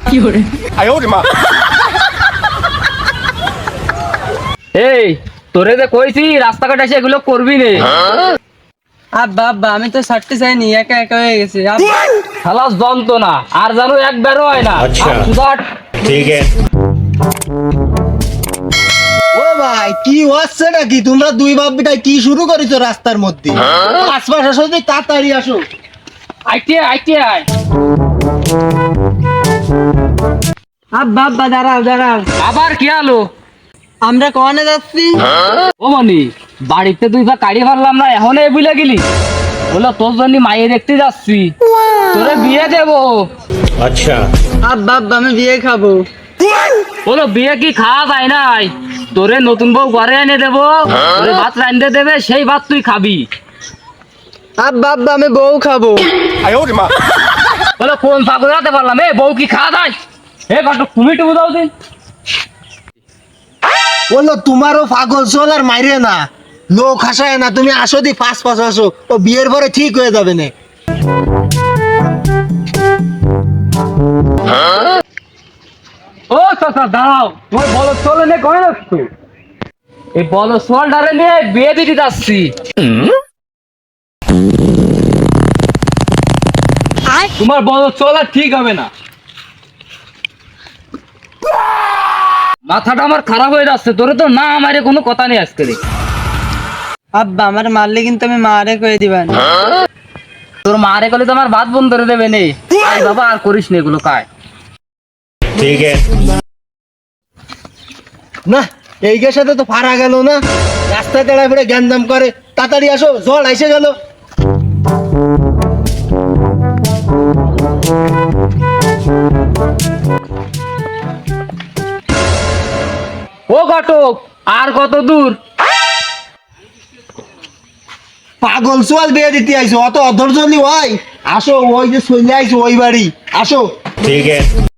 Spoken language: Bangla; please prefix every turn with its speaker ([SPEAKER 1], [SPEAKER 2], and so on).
[SPEAKER 1] এই তোরে যে কইছি রাস্তাঘাট এসে এগুলো করবি নে।
[SPEAKER 2] আব্বা আব্বা আমি তো ছাড়তে চাইনি, একা একা হয়ে গেছে।
[SPEAKER 1] খালাস যন্ত্রণা আর জানো একবারও হয় না।
[SPEAKER 3] আচ্ছা। ঠিক আছে।
[SPEAKER 4] ও ভাই কি হচ্ছে নাকি? তোমরা দুই বাপ বেটা কি শুরু করেছো রাস্তার মধ্যে? আশপাশ আসো, তুই তাড়াতাড়ি আসো।
[SPEAKER 1] আইতে আয়
[SPEAKER 2] আব্বা আব্বা দাঁড়াও দাঁড়াও,
[SPEAKER 1] আবার কি আলো?
[SPEAKER 2] আমরা কোনে যাচ্ছি?
[SPEAKER 1] ও মনি বাড়িতে তুই বা কাড়ি পারলাম না, এখন এই বুঝলে গেলি? বলো তোর জন্য মাইয়ে দেখতে যাচ্ছি, তোরে বিয়ে দেবো।
[SPEAKER 3] अच्छा।
[SPEAKER 2] আব্বা আব্বা আমি বিয়ে খাবো।
[SPEAKER 1] বলো বিয়ে কি খাওয়া যায় নাই? তোরে নতুন বউ ঘরে এনে দেবো, তোরে ভাত রান্ধতে দেবে, সেই ভাত তুই খাবি।
[SPEAKER 2] আব্বা আব্বা আমি বউ খাবো।
[SPEAKER 1] বলো কোন পাগল রাতে পারলাম, এ বউ কি খাওয়া যায়? এ বাটু তুমি টুকু দাও দিন।
[SPEAKER 4] বললো তোমারও পাগল চল আর মাইরে না, লোক হাসায় না। তুমি আসো দি পাঁচ আসো, ও বিয়ের পরে ঠিক হয়ে যাবে না।
[SPEAKER 1] ও চাচা দাঁড়াও, তোমার বলো চলে নে কয় রাখছো? এই বলো সোয়ালটারে নিয়ে বিয়ে দিতে যাচ্ছি। তোমার বলো চলা ঠিক হবে না। মাথাটা আমার খারাপ হয়ে যাচ্ছে, তোরে তো না আমারে কোনো কথা নেই আজকে।
[SPEAKER 2] আব্বা আমার মারলে কিন্তু আমি মারে কয়ে দিবেন।
[SPEAKER 1] তোর মারে গেলে তো আমার ভাত বন্ধ করে দেবে নে। আই বাবা আর করিস নে এগুলো কায়।
[SPEAKER 3] ठीक है।
[SPEAKER 4] না এই গের সাথে তো পারা গেল না, রাস্তায় দাঁড়ায় পড়ে জ্ঞানদাম করে। তাড়াতাড়ি আসো, জল এসে গেল।
[SPEAKER 1] ও ঘটক আর কত দূর?
[SPEAKER 4] পাগল সোয়াল বিয়ে দিতে আইছো, অত অধৈর্য নি ভাই। আসো, ওই যে চলে আইছো ওই বাড়ি, আসো।
[SPEAKER 3] ठीक है।